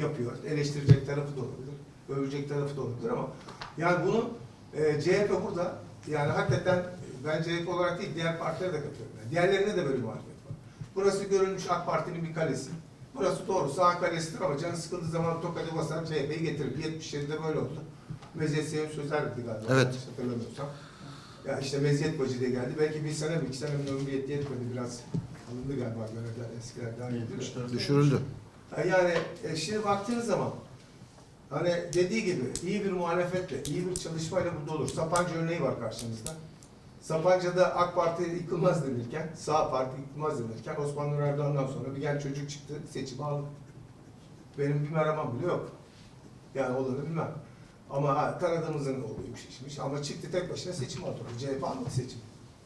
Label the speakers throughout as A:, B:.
A: yapıyor. Eleştirecek tarafı da olabilir. Övecek tarafı da olabilir ama yani bunu CHP burada yani hakikaten ben CHP olarak değil diğer partilere de katılıyorum. Yani diğerlerine de böyle muhalefet var. Burası görülmüş AK Parti'nin bir kalesi. Burası doğru sağ kalesidir ama canı sıkıldığı zaman tokadı basar CHP'yi getirir. 77'de böyle oldu. Meziyet Sevim Sözer'di galiba.
B: Evet.
A: Hatırlamıyorsam. Ya işte meziyet bacı diye geldi. Belki bir sene mi 2 sene mi ömrü yetmedi biraz. Alındı galiba görevler eskiler daha iyi.
B: Düşürüldü.
A: Yani şimdi baktığınız zaman hani dediği gibi iyi bir muhalefetle, iyi bir çalışmayla burada olur. Sapanca örneği var karşımızda. Sapanca'da AK Parti yıkılmaz denirken, sağ parti yıkılmaz denirken Osman Nur Erdoğan'dan sonra bir genç çocuk çıktı, seçimi aldı. Benim bir aramam bile yok. Yani olanı bilmem. Ama tanıdığımızın oğluymuş işmiş ama çıktı tek başına seçim aldı. CHP almadı seçim.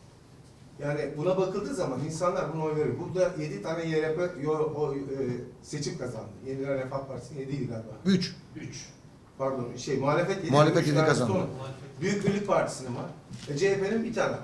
A: Yani buna bakıldığı zaman insanlar buna oy veriyor. Burada 7 tane YRP seçim kazandı. Yeniler Refah Partisi'nin 7'ydi galiba.
B: 3.
A: Pardon muhalefet 7.
B: Muhalefet 7 kazandı.
A: Büyük Birlik Partisi'nin var. CHP'nin bir tane.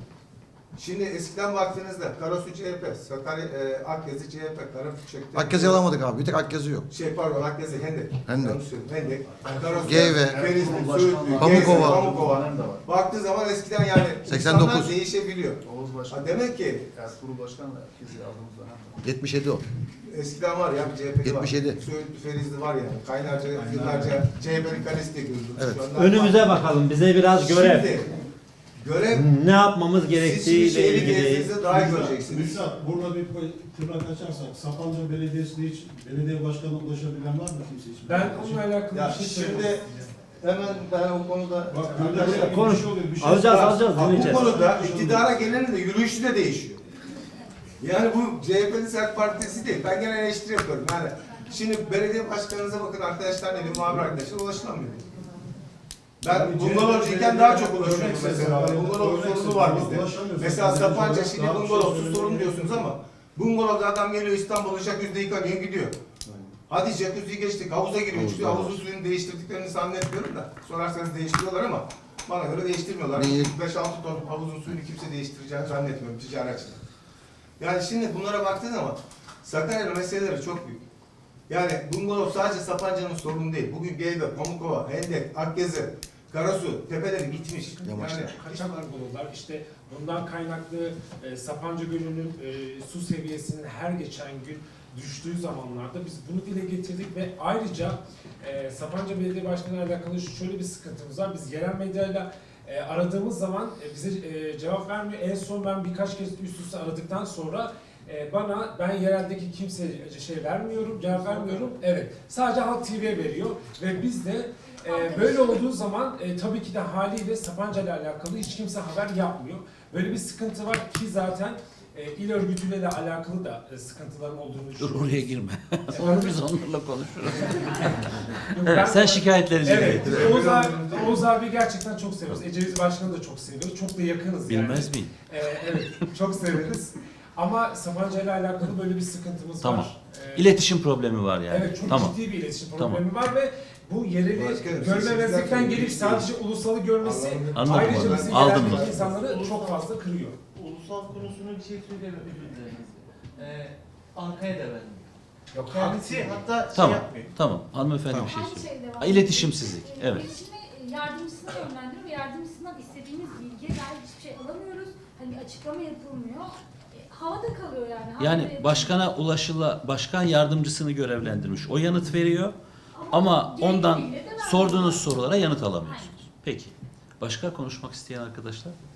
A: Şimdi eskiden baktığınızda Karasu CHP, Sakarya Akyazı CHP, Karafükçek'te...
B: Akyazı alamadık abi. Bir tek Akyazı yok.
A: Pardon Akyazı Hendek.
B: Hendek.
A: Yanlış söyledim. Hendek. Karasu,
B: Geyve.
A: Ferizli, Söğütlü,
B: Pamukova.
A: Pamukova. Baktığı zaman eskiden yani
B: 89.
A: insanlar değişebiliyor.
C: Oğuz Başkan.
A: Demek ki
C: Kurul Başkanı da herkesi aldığımız zaman.
B: 77 o.
A: eskiden var ya bir CHP'li var.
B: 77.
A: Söğütlü, Ferizli var yani. Kaynarca yıllarca CHP'nin kalesi diye görüldü.
B: Evet.
A: Şu anda
D: Önümüze bakalım. Bize biraz görev.
A: Şimdi, görev
D: Ne yapmamız
A: siz
D: gerektiğiyle
A: şehri
D: ilgili.
A: gezdiğinizde daha iyi göreceksiniz.
E: Müsait, burada bir tırnak açarsak, Sapanca Belediyesi'ne hiç belediye başkanına ulaşabilen var mı kimse hiç?
F: Ben onunla alakalı
A: Ya
F: bir şey
A: şimdi
F: söyleyeyim.
A: hemen ben o konuda
E: Bak,
A: arkadaşlar,
D: Konuş.
E: bir şey
D: Alacağız,
A: bu
D: dinleyeceğiz.
A: konuda iktidara gelenin de yürüyüşü de değişiyor. Yani bu CHP'nin sert partisi değil. Ben gene eleştiri yapıyorum. Yani şimdi belediye başkanınıza bakın arkadaşlar ne diyor, muhabir arkadaşlar ulaşılamıyor. Ben bungalovcuyken daha çok ulaşıyorum mesela. Bungalov sorunu var bizde. Mesela Sapanca şimdi bungalovsuz sorun diyorsunuz ama bungalovda adam geliyor İstanbul'a jacuzzi yıkanıyor gidiyor. Hadi jacuzziyi geçtik havuza giriyor çünkü havuzun suyunu değiştirdiklerini zannetmiyorum da sorarsanız değiştiriyorlar ama bana göre değiştirmiyorlar. 5-6 ton havuzun suyunu kimse değiştireceğini zannetmiyorum ticari açıdan. Yani şimdi bunlara baktığı zaman Sakarya'nın meseleleri çok büyük. Yani bungalov sadece Sapanca'nın sorunu değil. Bugün Geyve, Pamukova, Hendek, Akyazı, Karasu, tepeleri bitmiş. Yani
F: Kaçak buluyorlar. İşte bundan kaynaklı Sapanca Gölü'nün su seviyesinin her geçen gün düştüğü zamanlarda biz bunu dile getirdik ve ayrıca Sapanca Belediye Başkanı ile alakalı şöyle bir sıkıntımız var. Biz yerel medyayla aradığımız zaman bize cevap vermiyor. En son ben birkaç kez üst üste aradıktan sonra ben yereldeki kimseye cevap vermiyorum. Evet. Sadece Halk TV'ye veriyor ve biz de böyle olduğu zaman tabii ki de haliyle Sapanca ile alakalı hiç kimse haber yapmıyor. Böyle bir sıkıntı var ki zaten il örgütüyle de alakalı da sıkıntıların olduğunu düşünüyoruz.
G: Dur oraya girme. Sonra biz onlarla konuşuruz.
F: Ben-
G: Sen şikayetleri
F: Evet,
G: dinle.
F: biz Oğuz abi gerçekten çok seviyoruz. Ecevit Başkanı da çok seviyoruz. Çok da yakınız yani.
G: Bilmez miyim?
F: Evet, çok severiz. Ama Sapanca ile alakalı böyle bir sıkıntımız
G: Tamam.
F: var.
G: İletişim problemi var yani.
F: Evet, çok
G: Tamam.
F: ciddi bir iletişim
G: Tamam.
F: problemi var ve bu yereli
A: Başkanım,
F: görmemezlikten
A: siz-
F: gelip sadece ulusalı görmesi
G: Anladım,
F: ayrıca
G: anladım.
F: bizim
G: Aldım
F: yereldeki
G: ben.
F: insanları çok fazla kırıyor.
H: Ulusal konusuna bir şey söyleyemem özür dileriz. Anka'ya da verdim.
F: Yok,
H: Kendisi hatta şey
G: Tamam.
H: yapmıyor.
G: Tamam. Hanımefendi bir şey
I: Aynı
G: söylüyor.
I: şey devam
G: İletişimsizlik, evet.
I: İletişime yardımcısına yönlendiriyor ve yardımcısından istediğimiz bilgiye dair hiçbir şey alamıyoruz. Hani açıklama yapılmıyor. Havada kalıyor yani. Havada
G: Yani
I: yapılıyor.
G: başkan yardımcısını görevlendirmiş. O yanıt veriyor ama ondan
I: gerekli bilgileri de vermiyor.
G: sorduğunuz sorulara yanıt alamıyorsunuz. Peki. Başka konuşmak isteyen arkadaşlar?